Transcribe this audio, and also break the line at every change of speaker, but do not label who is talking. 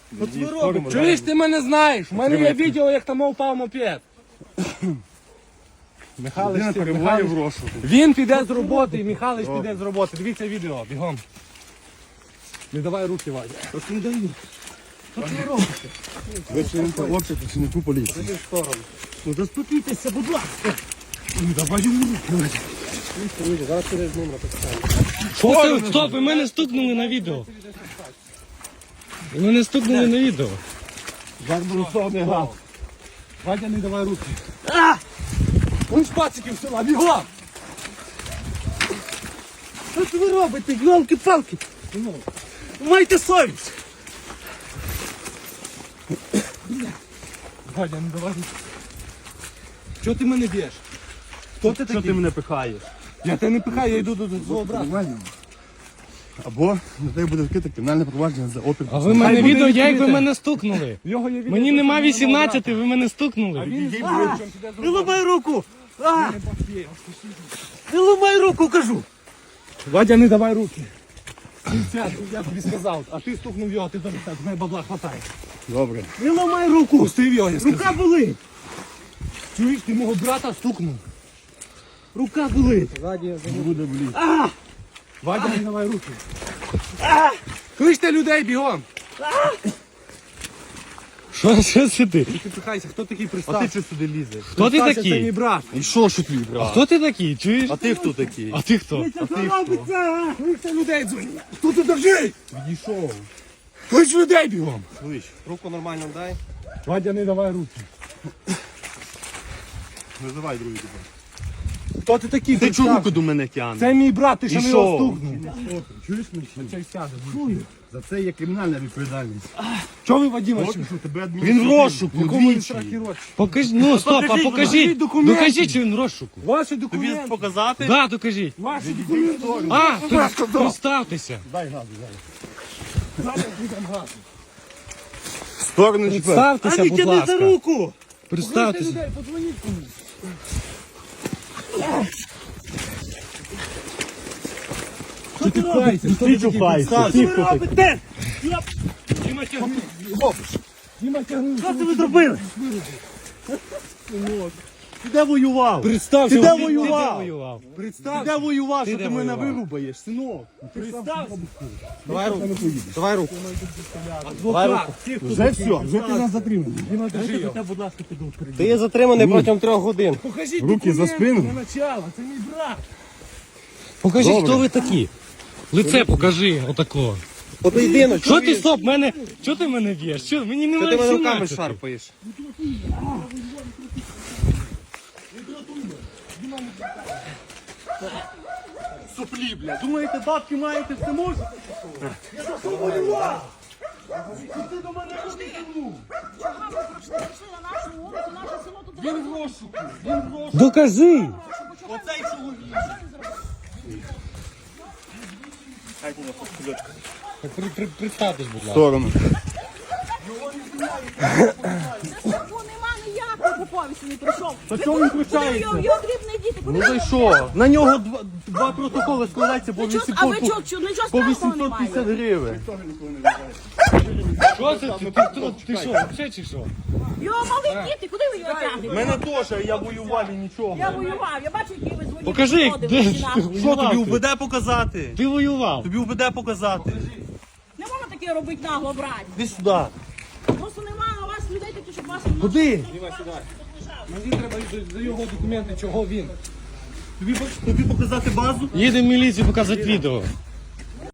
От ви робите.
Чуєш, ти мене знаєш? У мене є відео, як там впав мопед.
Людина перебуває в розшуку.
Він піде з роботи, і Михайлович піде з роботи. Дивіться відео, бігом. Не давай руки, Вадя.
От не даю. От ви робите. Ви чините обшук працівнику поліції.
Ну заспокійтеся, будь ласка. Ну давай йому руки. Зараз піде з номера поставимо. Стоп, ви мене стукнули на відео. Ви мене стукнули на відео.
Зарборусовний газ.
Вадя, не давай руки. Он з пациків села, бігом!
Що ви робите, йолки-палки? Майте совість.
Вадя, не давай руки. Чого ти мене б'єш? Хто ти
Що
такий?
ти мене пихаєш?
Я тебе не пихаю, я йду до свого брата.
Нормально. Або на тебе буде вкрите кримінальне провадження за опір.
А ви мене
буде
відео, як ви
відкрите.
мене стукнули.
В його є відео,
Мені
що
нема
він мого
18,
брата.
ви мене стукнули.
Він
Відійди,
знає, чим піде з
Не
роботи.
ламай руку! Не ламай руку, кажу!
Вадя, не давай руки. Сядь, я тобі сказав, а ти стукнув його, ти зараз так, в мене бабла хватає.
Добре.
Не ламай руку! Пустив його, я сказав.
Рука болить!
Чуєш, ти мого брата стукнув.
Рука болить!
Буде блін. Вадя, не давай руки. Кличте людей бігом.
Що це ти?
Ти пихайся, хто такий
А
пристав?
ти що сюди лізеш?
Хто ти
Представся, Це мій
такий?
брат.
І що ж твій брат?
Хто ти такий, чуєш?
А ти хто такий?
А ти хто?
А ти хто?
Кличте людей дзвонять. Хто тут держить?
Відійшов.
Клич людей бігом.
Слиш, руку нормально дай.
Вадя, не давай руки.
Визивай другий тебе.
Хто ти такий?
Ти чого
Представся.
руку до мене тягнеш?
Це мій брат, ти що
І
не
що?
його стукнув.
Чуєш мене?
Цей сяде.
За це є кримінальна відповідальність.
Чого ви, Вадима?
От що тебе
Він в розшуку. Якому він
двічі.
страхі рочі?
Покажіть, ну стоп, а
покажіть,
покажіть.
документи.
Докажіть, що він в розшуку.
Ваші
Тобі
документи.
показати?
Да, докажіть.
Ваші документи.
А, представтеся.
Дай газу, дай.
Зараз підемо газу.
Сторону чіпер.
Представтеся, будь ласка.
руку!
Кличте
Представтеся.
людей, подзвоніть комусь. Що ти робиш?
Ти чухайся. Ти хто такий?
робите? Діма, тягни.
Що це ви зробили? Ти де воював?
Представся.
Ти де
Ти
воював?
воював?
Ти де воював, що
де
ти мене
воював?
вирубаєш, синок?
Представся.
Давай руку. Давай руку.
Адвокат. Ті, хто
Вже все, вже ти нас затримав.
Діма, держи його.
будь ласка, піду.
Ти є затриманий протягом 3 годин.
Покажіть
Руки за
документи
спину.
для начала. Це мій брат.
Покажіть,
Добре.
хто ви такі. Лице покажи, отако.
Поєдинок.
Що ти, стоп, мене, що ти мене б'єш? Що, мені
Ти
немає
мене руками
17.
шарпаєш.
Соплі, бля. Думаєте, бабки маєте, все можете?
Він в розшуку.
Докажи.
Оцей чоловік.
Представтесь, будь ласка.
Сторону.
Страху нема ніякого по повісті не прийшов.
Та чого він включається?
Його дрібний діти,
Ну за що? На нього два протоколи складаються по
А ви
800
чого, нічого
по
страшного
850
немає?
гривень.
Що це? Ти що, взагалі чи що?
Його мали діти, куди ви його тягнете?
Мене теж, я воював і нічого.
Я воював, я бачу, які ви дзвонили.
Покажи,
приходили
де
всі
ж
нахуй.
ти?
Що тобі УБД показати?
Ти воював.
Тобі УБД показати.
Не можна таке робити нагло, брать.
Іди сюди.
Просто немає у вас людей таких, щоб вас...
Куди?
Мені треба за його документи, чого він.
Тобі показати базу?
Їдемо в міліцію показати відео.